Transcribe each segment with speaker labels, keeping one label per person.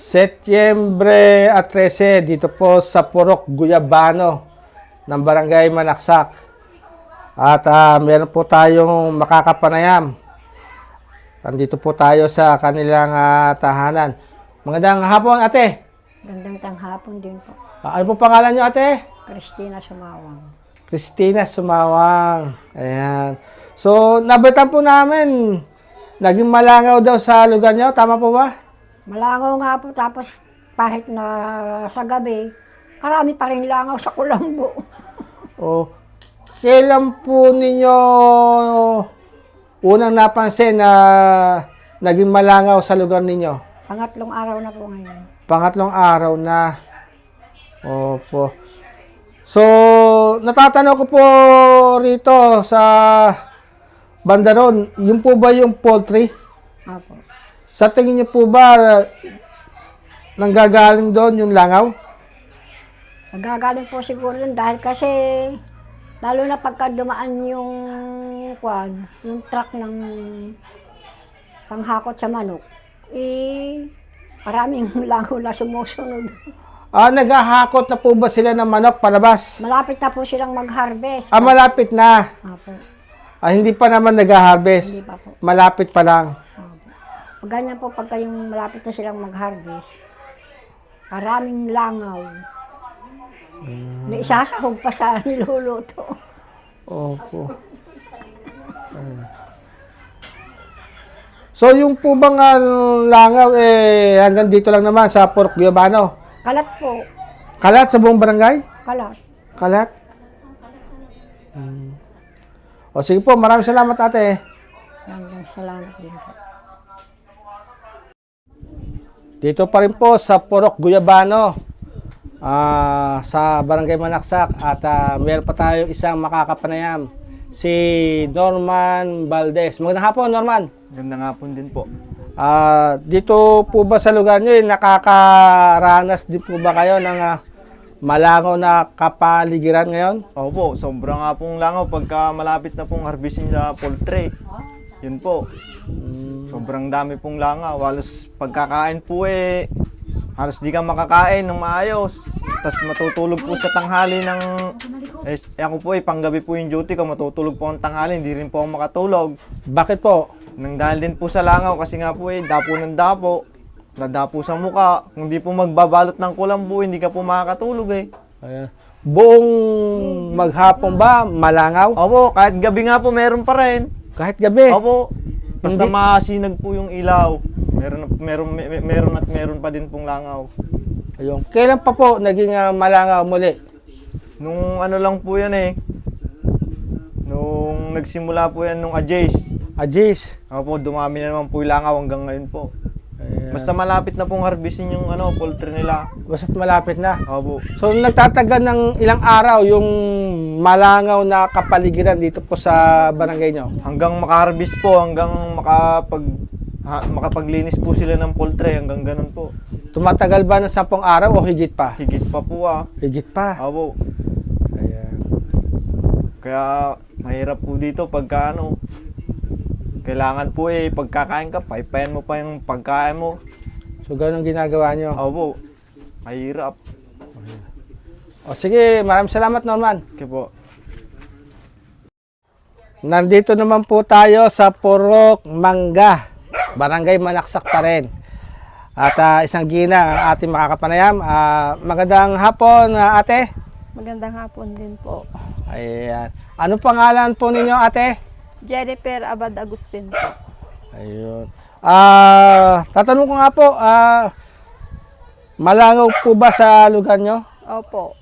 Speaker 1: Setyembre 13 dito po sa Purok Guyabano ng Barangay Manaksak. At meron po tayong makakapanayam. Andito po tayo sa kanilang tahanan. Magandang hapon, ate.
Speaker 2: Gandang tanghapon din po.
Speaker 1: Ano po pangalan nyo, ate?
Speaker 2: Christina Sumawang.
Speaker 1: Christina Sumawang. Ayan. So, nabalitaan po namin, naging malangaw daw sa lugar nyo. Tama po ba?
Speaker 2: Malangaw nga po, tapos kahit na sa gabi, karami pa rin langaw sa Kulambo.
Speaker 1: O, kailan po ninyo unang napansin na naging malangaw sa lugar ninyo?
Speaker 2: Pangatlong araw na po ngayon.
Speaker 1: Pangatlong araw na. Opo. So, natatanong ko po rito sa bandaron, yun po ba yung poultry?
Speaker 2: Apo.
Speaker 1: Sa tingin niyo po ba nanggagaling doon yung langaw?
Speaker 2: Nagagaling po siguro yun dahil kasi, lalo na pagka dumaan yung truck ng panghakot sa manok, maraming langaw na sumusunod.
Speaker 1: Naghahakot na po ba sila ng manok palabas?
Speaker 2: Malapit na po silang mag-harvest.
Speaker 1: Malapit na.
Speaker 2: Apo.
Speaker 1: Hindi pa naman nag-harvest.
Speaker 2: Hindi pa po.
Speaker 1: Malapit pa lang.
Speaker 2: Pag ganyan po, pagka yung malapit na silang mag-harvest, maraming langaw. May isasahog pa sa niluluto.
Speaker 1: Opo. So, yung po bang langaw, hanggang dito lang naman sa Purok Guyabano?
Speaker 2: Kalat po.
Speaker 1: Kalat sa buong barangay?
Speaker 2: Kalat.
Speaker 1: Kalat? O sige po, maraming salamat ate.
Speaker 2: Maraming salamat din po.
Speaker 1: Dito pa rin po sa Purok Guyabano, sa Barangay Manaksak, at meron pa tayo isang makakapanayam, si Norman Valdez. Magandang hapon, Norman.
Speaker 3: Magandang hapon din po.
Speaker 1: Dito po ba sa lugar nyo, nakakaranas din po ba kayo ng malangaw na kapaligiran ngayon?
Speaker 3: Opo, sobrang nga pong langaw pagka malapit na pong harvestin sa poultry. Yun po. Sobrang dami pong langaw. Halos pagkakain po halos di ka makakain ng maayos. Tapos matutulog po sa tanghali ng... ako po panggabi po yung duty ko, matutulog po ang tanghali, hindi rin po ako makatulog.
Speaker 1: Bakit po?
Speaker 3: Nang dahil din po sa langaw kasi nga po dapo ng dapo. Nadapo sa muka. Kung di po magbabalot ng kulambo, hindi ka po makakatulog
Speaker 1: Ayan. Buong maghapon ba malangaw?
Speaker 3: Opo, kahit gabi nga po meron pa rin.
Speaker 1: Kahit gabi?
Speaker 3: Opo. Basta
Speaker 1: Hindi.
Speaker 3: masinag po yung ilaw. Meron pa din pong langaw.
Speaker 1: Ayun. Kailan pa po naging malangaw muli?
Speaker 3: Nung ano lang po yan Nung nagsimula po yan nung Ajace.
Speaker 1: Ajis.
Speaker 3: Opo, dumami na naman po yung langaw hanggang ngayon po.
Speaker 1: Ayan.
Speaker 3: Basta malapit na pong harvestin yung poultry nila.
Speaker 1: Basta't malapit na.
Speaker 3: Opo.
Speaker 1: So nagtatagal ng ilang araw yung malangaw na kapaligiran dito po sa barangay nyo?
Speaker 3: Hanggang makaharvest po, hanggang makapaglinis po sila ng poultry, hanggang ganun po.
Speaker 1: Tumatagal ba ng 10 araw o higit pa?
Speaker 3: Higit pa po
Speaker 1: Higit pa.
Speaker 3: Opo.
Speaker 1: Ayan.
Speaker 3: Kaya mahirap po dito pagka kailangan po pagkakain ka, paipayan mo pa yung pagkain mo.
Speaker 1: So ganun ginagawa nyo?
Speaker 3: Opo. Mahirap.
Speaker 1: O sige, maraming salamat Norman.
Speaker 3: Okay po.
Speaker 1: Nandito naman po tayo sa Purok Mangga, Barangay Manaksak pa rin. At isang gina ang ating makakapanayam. Magandang hapon ate.
Speaker 4: Magandang hapon din po.
Speaker 1: Ayan. Ano pangalan po ninyo ate?
Speaker 4: Jennifer Abad Agustin po.
Speaker 1: Ayun. Tatanong ko nga po, malangaw po ba sa lugar nyo?
Speaker 4: Opo.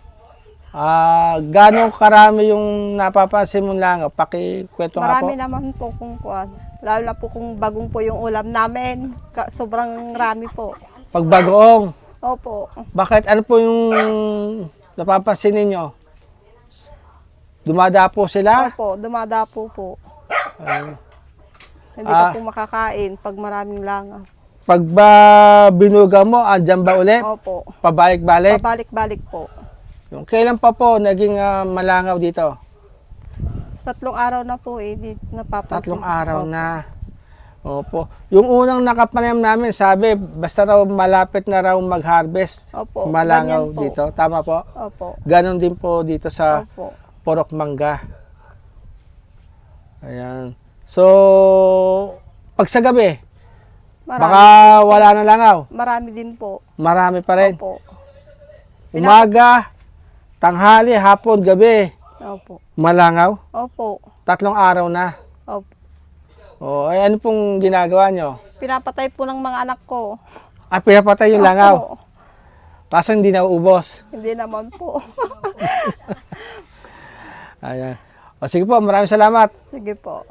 Speaker 1: Gano'ng karami yung napapansin mong langaw? Pakikwento nga po.
Speaker 4: Marami naman po kung kuwan. Lalo na po kung bagong po yung ulam namin. Sobrang rami po.
Speaker 1: Pagbagoong.
Speaker 4: Opo.
Speaker 1: Bakit? Ano po yung napapansin ninyo? Dumadapo sila?
Speaker 4: Opo, dumadapo po.
Speaker 1: Ayun.
Speaker 4: Hindi pa po makakain pag maraming langaw.
Speaker 1: Pag ba binuga mo, andyan ba ulit?
Speaker 4: Opo.
Speaker 1: Pabalik-balik?
Speaker 4: Pabalik-balik po.
Speaker 1: Yung kailan pa po naging malangaw dito?
Speaker 4: 3 araw na po di napapansin.
Speaker 1: 3 araw
Speaker 4: Opo.
Speaker 1: na. Opo. Yung unang nakapanayam namin, sabi, basta raw malapit na raw mag-harvest,
Speaker 4: Opo,
Speaker 1: malangaw
Speaker 4: ganyan po.
Speaker 1: dito. Tama po?
Speaker 4: Opo.
Speaker 1: Ganon din po dito sa
Speaker 4: Opo.
Speaker 1: Purok Mangga. Ayan. So, pag sa gabi, baka wala na langaw.
Speaker 4: Marami din po.
Speaker 1: Marami pa rin.
Speaker 4: Opo.
Speaker 1: Umaga, tanghali, hapon, gabi,
Speaker 4: Opo.
Speaker 1: malangaw.
Speaker 4: Opo.
Speaker 1: 3 araw na.
Speaker 4: Opo.
Speaker 1: O, ay ano pong ginagawa nyo?
Speaker 4: Pinapatay po ng mga anak ko.
Speaker 1: Ah, pinapatay yung langaw.
Speaker 4: Opo.
Speaker 1: Kaso hindi na uubos.
Speaker 4: Hindi naman po.
Speaker 1: Ayan. O sige po, maraming salamat.
Speaker 4: Sige po.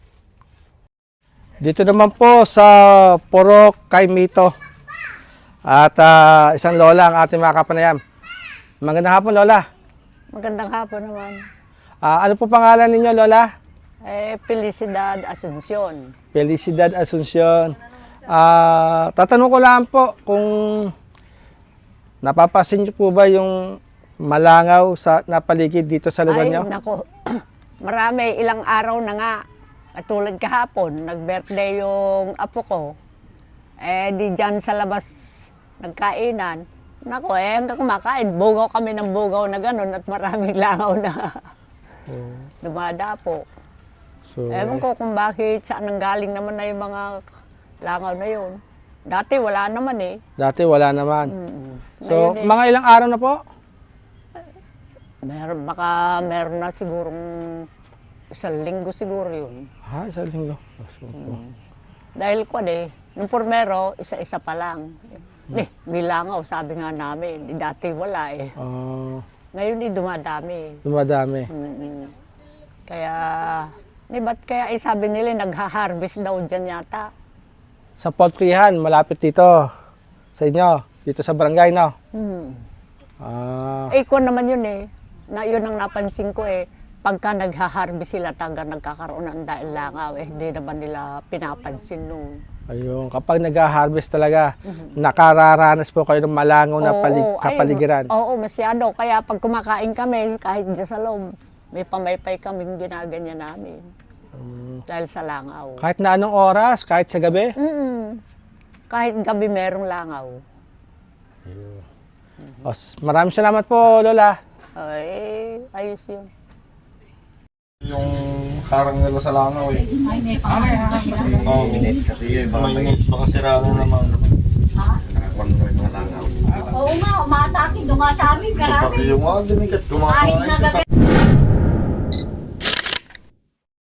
Speaker 1: Dito naman po sa Purok kay Mito. At isang lola ang ating mga kapanayam. Magandang hapon, lola.
Speaker 5: Magandang hapon naman.
Speaker 1: Ano po pangalan ninyo, lola?
Speaker 5: Felicidad Asuncion.
Speaker 1: Felicidad Asuncion. Tatanong ko lang po kung napapasin niyo po ba yung malangaw sa napaligid dito sa lugar
Speaker 5: Ay,
Speaker 1: niyo?
Speaker 5: nako. Marami, ilang araw na nga. Katulad kahapon, nag-birthday yung apo ko. Di dyan sa labas nagkainan. Nako, hanggang kumakain. Bugaw kami ng bugaw na gano'n at maraming langaw na dumadapo.
Speaker 1: So,
Speaker 5: Ewan ko kung bakit saan nanggaling naman na yung mga langaw na yun. Dati wala naman eh.
Speaker 1: dati wala naman. So,
Speaker 5: Ngayon eh,
Speaker 1: mga ilang araw na po?
Speaker 5: meron na sigurong 1 linggo siguro yun.
Speaker 1: Isang linggo.
Speaker 5: Dahil ko nung pormero, isa-isa pa lang. May langaw, sabi nga namin. Dati wala eh. Ngayon dumadami.
Speaker 1: Dumadami.
Speaker 5: Kaya, ba't kaya sabi nila nagha-harvest daw dyan yata.
Speaker 1: Sa Poultryhan, malapit dito sa inyo, dito sa barangay, no?
Speaker 5: Ko naman yun yun ang napansin ko pagka nagha-harvest sila nagkakaroon ng dahil langaw hindi naman nila pinapansin nung.
Speaker 1: Ayun, kapag nag-harvest talaga, nakararanas po kayo ng malangaw na kapaligiran.
Speaker 5: Oo, masyado. Kaya pag kumakain kami, kahit dyan sa loob, may pamaypay kaming ginaganyan namin. Dahil sa langaw.
Speaker 1: Kahit na anong oras, kahit sa gabi?
Speaker 5: Kahit gabi merong langaw.
Speaker 1: Maraming salamat po, Lola.
Speaker 5: Ayos yun.
Speaker 3: Yung harang nila sa langaw eh. Oo. Mainit baka sira na naman.
Speaker 6: Oo nga, umatake, dumasami,
Speaker 3: Sa
Speaker 6: karami.
Speaker 3: pati yung mga dinigat
Speaker 6: Kahit na
Speaker 3: kumakain.
Speaker 6: gabi.